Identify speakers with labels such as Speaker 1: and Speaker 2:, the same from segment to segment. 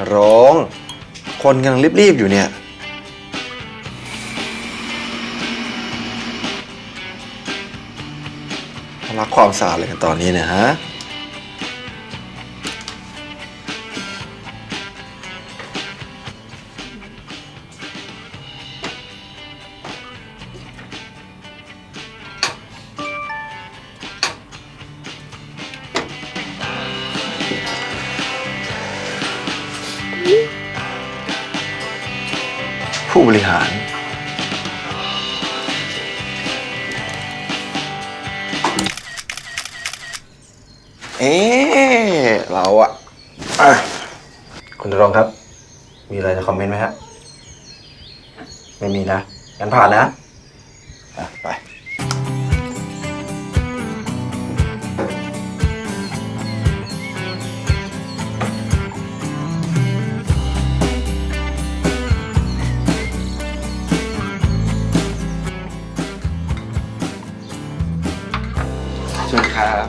Speaker 1: ร้อง คนกำลังรีบๆอยู่เนี่ยรักความสะอาดเลยกันตอนนี้เนี่ยฮะผู้บริหารเราอะคุณณรงค์ครับ มีอะไรจะคอมเมนต์ไหมฮะไม่มีนะงั้นผ่านนะไปเชิญครับ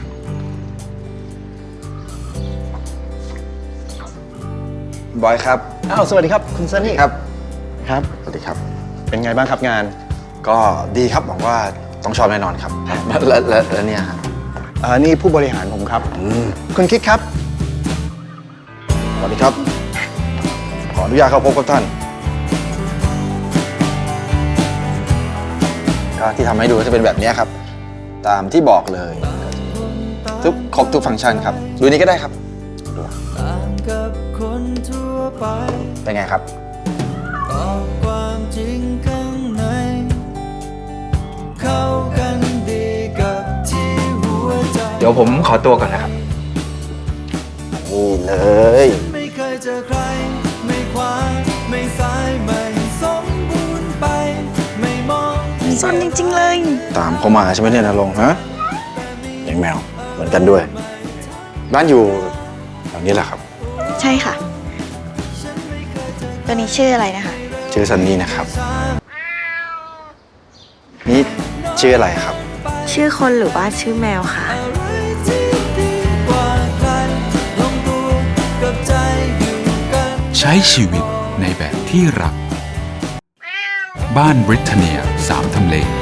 Speaker 1: บอยครับ
Speaker 2: อ้าวสวัสดีครับคุณซันนี่
Speaker 1: ครับครับสวัสดีครับ
Speaker 2: เป็นไงบ้างครับงาน
Speaker 1: ก็ดีครับหวังว่าต้องชอบแน่นอนครับแล้วเนี่ยฮะ
Speaker 2: นี่ผู้บริหารผมครับคุณคิดครับ
Speaker 1: สวัสดีครับขออนุญาตเข้าพบกับท่านก็ที่ทำให้ดูจะเป็นแบบนี้ครับ ตามที่บอกเลยครบทุกฟังก์ชันครับดูนี้ก็ได้ครับดูเป็นไงครับ
Speaker 3: ความจริงข้างในเข้ากันดีกับที่หัวใจ
Speaker 1: เดี๋ยวผมขอตัวก่อนนะครับนี่เลย
Speaker 3: ไม่เคยเจอใครไม่คว้าไม่สายไม่สมบูรณ์ไปไม่มอง
Speaker 4: ซนจริงๆเลย
Speaker 1: ตามเขามาใช่ไหมเนี่ยนรงค์ฮะเลี้ยงแมวเหมือนกันด้วยบ้านอยู่แถวนี้แหละครับ
Speaker 4: ใช่ค่ะ ตัวนี้ชื่ออะไรนะคะ
Speaker 1: ชื่อซันนี่นะครับนี่ชื่ออะไรครับ
Speaker 4: ชื่อคนหรือว่าชื่อแมวคะ
Speaker 3: อะไรที่ดีกว่าใครลงตัวกับใจอยู่กัน
Speaker 5: ใช้ชีวิตในแบบที่รัก บ้านบริเทเนีย3 ทำเล